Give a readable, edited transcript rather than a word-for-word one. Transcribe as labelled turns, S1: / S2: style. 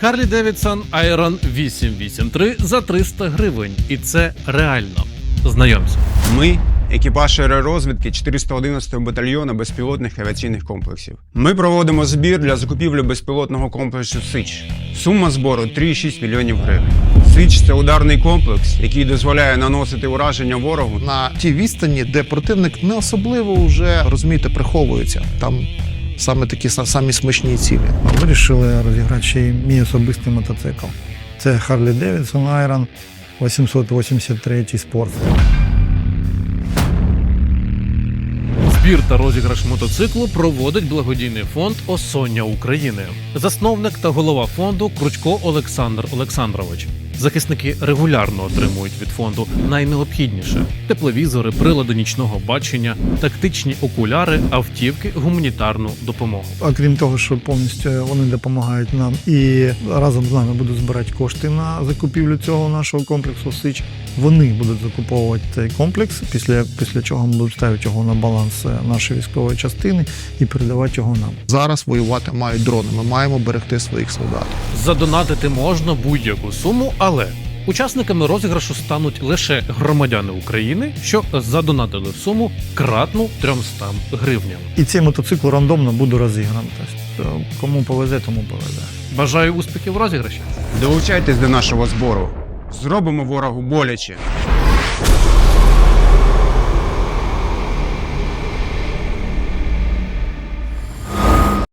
S1: Harley-Davidson Iron 883 за 300 гривень. І це реально. Знайомся.
S2: Ми – екіпаж аеророзвідки 411-го батальйону безпілотних авіаційних комплексів. Ми проводимо збір для закупівлі безпілотного комплексу «Сич». Сума збору – 3,6 мільйонів гривень. «Сич» – це ударний комплекс, який дозволяє наносити ураження ворогу
S3: на тій відстані, де противник не особливо вже, розумієте, приховується. Там саме такі самі смачні цілі.
S4: Вирішили розіграти ще й мій особистий мотоцикл. Це Harley-Davidson Iron 883 Sport.
S1: Збір та розіграш мотоциклу проводить благодійний фонд «Осоння України». Засновник та голова фонду Кручко Олександр Олександрович. Захисники регулярно отримують від фонду найнеобхідніше – тепловізори, прилади нічного бачення, тактичні окуляри, автівки, гуманітарну допомогу.
S4: Окрім того, що повністю вони допомагають нам і разом з нами будуть збирати кошти на закупівлю цього нашого комплексу «Сич», вони будуть закуповувати цей комплекс, після чого ми будемо ставити його на баланс нашої військової частини і передавати його нам.
S3: Зараз воювати мають дрони, ми маємо берегти своїх солдатів.
S1: Задонатити можна будь-яку суму, але учасниками розіграшу стануть лише громадяни України, що задонатили суму кратну 300 гривням.
S4: І цей мотоцикл рандомно буде розіграний. Тобто, кому повезе, тому повезе.
S1: Бажаю успіхів в розіграші!
S2: Долучайтесь до нашого збору. Зробимо ворогу боляче.